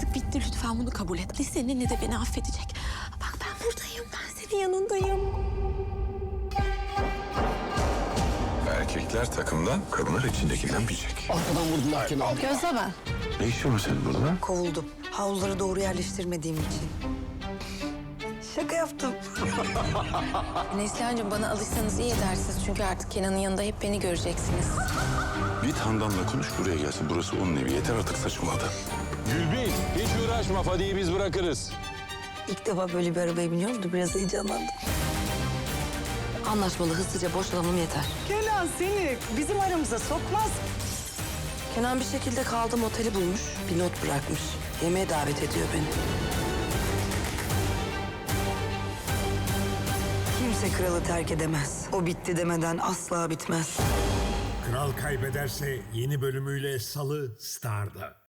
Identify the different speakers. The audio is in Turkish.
Speaker 1: artık bitti. Lütfen bunu kabul et. Seninle de beni affedecek. Bak ben buradayım. Ben senin yanındayım.
Speaker 2: Erkekler takımdan, kadınlar içindekinden bilecek.
Speaker 3: Arkadan vurdular Kenan.
Speaker 1: Gözleme.
Speaker 2: Ne işin var senin burada?
Speaker 4: Kovuldum. Havluları doğru yerleştirmediğim için. Şaka yaptım.
Speaker 1: Neslihan'cığım bana alışsanız iyi edersiniz. Çünkü artık Kenan'ın yanında hep beni göreceksiniz.
Speaker 2: Git Handan'la konuş, buraya gelsin. Burası onun evi. Yeter artık saçmaladı.
Speaker 5: Gülbin, hiç uğraşma. Fadi'yi biz bırakırız.
Speaker 4: İlk defa böyle bir arabaya biniyorum da biraz heyecanlandım. Anlaşmalı hızlıca boşalalım yeter.
Speaker 6: Kenan seni bizim aramıza sokmaz.
Speaker 4: Kenan bir şekilde kaldım oteli bulmuş. Bir not bırakmış. Yemeğe davet ediyor beni. Kimse kralı terk edemez. O bitti demeden asla bitmez.
Speaker 7: Kral Kaybederse yeni bölümüyle Salı Star'da.